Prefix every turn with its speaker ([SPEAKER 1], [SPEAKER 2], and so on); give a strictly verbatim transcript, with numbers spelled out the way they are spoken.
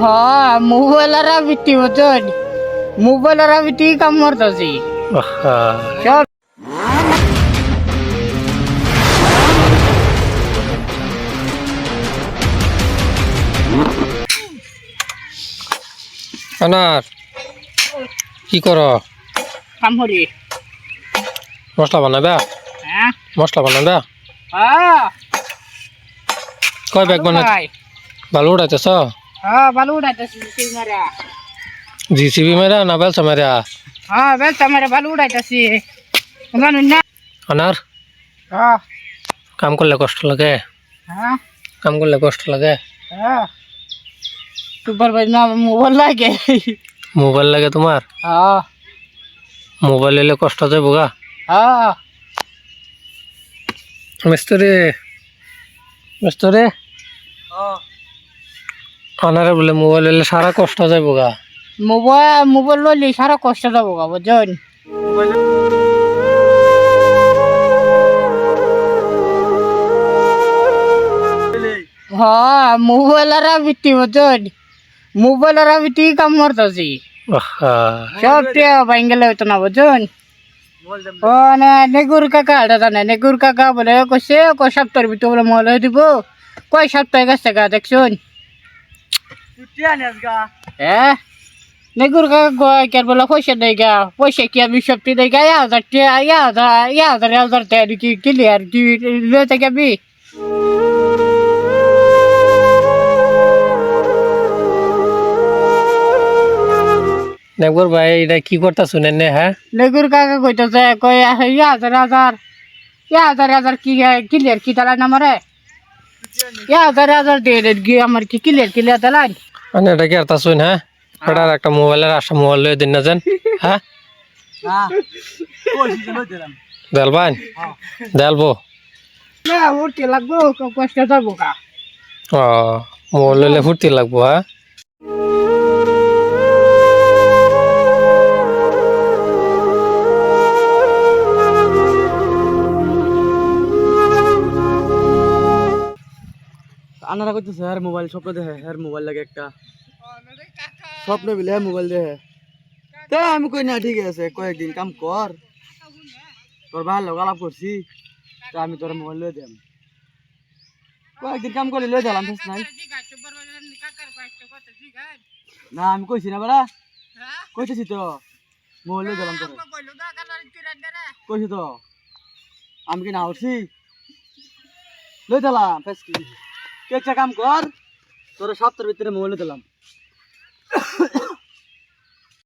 [SPEAKER 1] হ্যাঁ মোবাইলেরা বিটি বুঝছেন মোবাইলেরা বিটি কাম করতেছি সব
[SPEAKER 2] আনার কি কর?
[SPEAKER 1] কাম করি।
[SPEAKER 2] মশলা বানাবে?
[SPEAKER 1] হ্যাঁ
[SPEAKER 2] মশলা বানাবে?
[SPEAKER 1] হ্যাঁ
[SPEAKER 2] কয় ব্যাগ বানা? বালু উড়াইতেছ?
[SPEAKER 1] হ্যাঁ বালু উড়াইতেছি সিঙ্গারা।
[SPEAKER 2] জিসিবি মেরা না বেলসা মেরা?
[SPEAKER 1] হ্যাঁ বেলটা মেরে বালু উড়াইতেছি জানুন না।
[SPEAKER 2] আনার
[SPEAKER 1] হ্যাঁ
[SPEAKER 2] কাম করলে কষ্ট লাগে?
[SPEAKER 1] হ্যাঁ
[SPEAKER 2] কাম করলে কষ্ট লাগে?
[SPEAKER 1] হ্যাঁ সুপারভাইজার না মোবাইল লাগে।
[SPEAKER 2] মোবাইল লাগে তোমার?
[SPEAKER 1] হ্যাঁ
[SPEAKER 2] মোবাইল এলে কষ্ট যাবো গা?
[SPEAKER 1] হ্যাঁ
[SPEAKER 2] মিস্ত্রি মিস্ত্রি আনারে বলে মোবাইল এলে সারা কষ্ট যাবো গা?
[SPEAKER 1] মোবাইল মোবাইল লইলে সারা কষ্ট যাবো গা বুঝছেন। হ্যাঁ মোবাইলেরা বিটি বুঝছেন মোবাইলেরা বিটি কাম করতেছি সব টিয়া বাইঙ্গেলে হইতো না বুঝছেন। ও না নেগুর কাকা এটা জানে নেগুর কাকা বলে কইছে কয় সপ্তাহের ভিতরে বলে মোবাইল হয়ে দিব। কয় সপ্তাহে গেছে গা দেখছুন? হ্যাঁ নেগুর কাকা কয় কে বলে পয়সা দেয় গা পয়সা কি আমি সপ্তি দেয় গা ইয়া হাজার টিয়া ইয়া হাজার ইয়া হাজার হাজার টাকা কি ক্লিয়ার কি লইতে যাবি?
[SPEAKER 2] নেকবর ভাই এটা কি করতা শুনেন নে? হ্যাঁ
[SPEAKER 1] নেগুর কাকা কইতেছে কয় ইয়া হাজার হাজার ইয়া হাজার হাজার কি ক্লিয়ার কি তালা নামারে ইয়া হাজার হাজার দিয়ে কি আমার কি ক্লিয়ার ক্লিয়ার তালাই
[SPEAKER 2] মানে এটা কি আর তা শুন? হ্যাঁ এটার একটা মোবাইলের আসা মোবাইল লয়ে দিন না যেন। হ্যাঁ দেলবান দেলবো
[SPEAKER 1] না উঠতে লাগবো কষ্ট যাবো কা।
[SPEAKER 2] ও মোবাইল লইলে ফুর্তি লাগবো? হ্যাঁ
[SPEAKER 3] আনারা কইতেছে হ্যাঁ মোবাইল স্বপ্ন দেখে হ্যাঁ মোবাইল লাগে একটা স্বপ্ন বিলে হ্যাঁ মোবাইল দেখে। তা আমি কই না ঠিক আছে কয়েকদিন কাম কর তোর ভালো আলাপ করছি তা আমি তোর মোবাইল লয়ে দিলাম কয়েকদিন কাম করে লয়ে দিলাম নাই না আমি কইছি না বেড়া কইতেছি তো মোবাইল লয়ে দিলাম তোর কইছি তো আমি কি না উঠছি লয়ে দিলাম একটা কাম কর তোর সপ্তাহের ভিতরে মোবাইল দিলাম।